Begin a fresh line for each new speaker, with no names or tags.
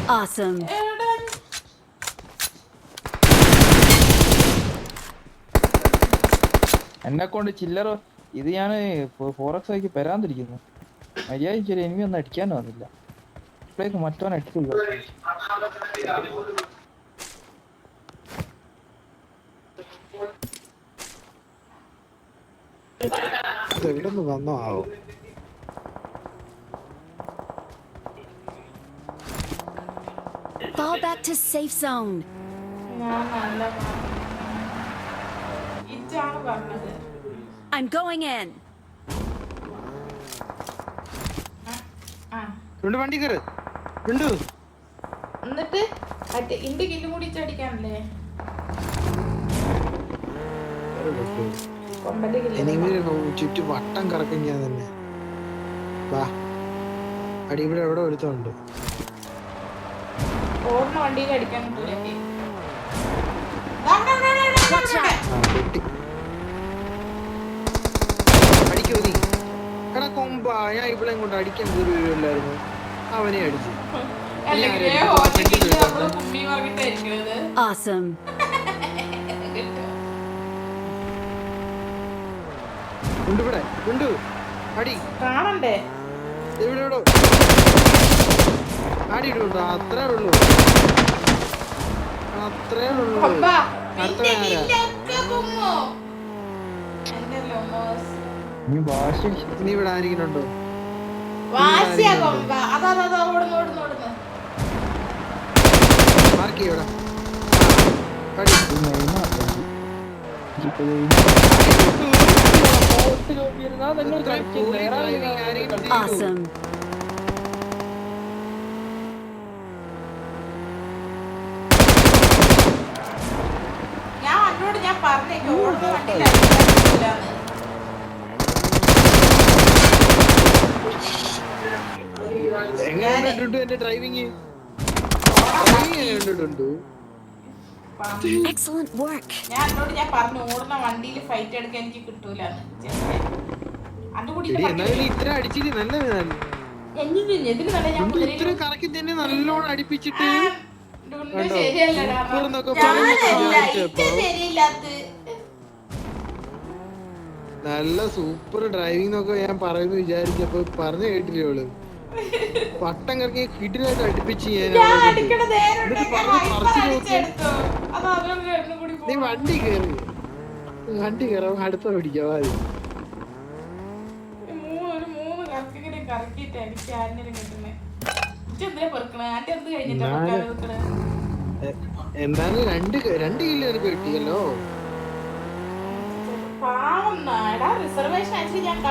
Awesome.
എന്നെ കൊണ്ട് ചില്ലറ ഇത് ഞാൻ ഫോറക്സ് ആക്കി പെരാന്തിരിക്കുന്നു. മര്യാദയ്ക്ക് ഒരു എനിമി ഒന്നും അടിക്കാനും വന്നില്ല. ഇപ്പോഴേക്ക് മറ്റവൻ അടിച്ചില്ല.
എവിടെന്ന് വന്നോ ആവോ?
Fall back to safe zone. I'm going in.
വണ്ടി കയറ് ഉണ്ട്.
എന്നിട്ട് ഇന്റെ കില്ലും കൂടി ചടിക്കാനല്ലേ
ചുറ്റും വട്ടം കറക്കും ഞാൻ തന്നെ. വാ അടി ഇവിടെ എവിടെ ഒരുത്തുണ്ട്.
ഓർമ്മ വണ്ടിയിൽ അടിക്കാൻ
അടിക്കോ നീ എടാ കൊമ്പ. ഞാൻ ഇവിടെ കൊണ്ട് അടിക്കാൻ കയറി വരുമല്ലായിരുന്നു. അവനെ അടിച്ചു.
Awesome.
ഉണ്ട് ഇവിടെ ഉണ്ട്. അടി
കാണണ്ടേ
ഇവിടെ ഇടോ. അടി ഇടുണ്ടോ? അത്രേ ഉള്ളൂ, അത്രേ ഉള്ളൂ. അടുത്ത നീ ഇവിടെ ആരെങ്കിലും ഉണ്ടോ? മാർക്ക് ചെയ്യോടാ.
Awesome.
ഞാൻ പറഞ്ഞേക്കോ
എങ്ങനെ എന്റെ ഡ്രൈവിങ് കണ്ടിട്ടുണ്ട്.
Excellent work.
ഞാൻ പറഞ്ഞു ഓടുന്ന വണ്ടിയിൽ ഫൈറ്റ് എടുക്കാൻ എനിക്ക് കിട്ടൂലെന്ന്.
ഇത്ര അടിച്ചിട്ട് നല്ല ഇത്ര കറക്കി തന്നെ നല്ലോണം അടിപ്പിച്ചിട്ട് നല്ല സൂപ്പർ ഡ്രൈവിംഗ് എന്നൊക്കെ ഞാൻ പറയുന്നു വിചാരിച്ചപ്പോ പറഞ്ഞു കേട്ടില്ലേ അവള്. പട്ടം കറക്കി കിടിലായിട്ട് അടുപ്പിച്ച് നീ വണ്ടി കയറി അടുത്ത പിടിക്കാം. എന്തായാലും രണ്ട് കിലോ എനിക്ക് കിട്ടിയല്ലോ.
റിസർവേഷൻ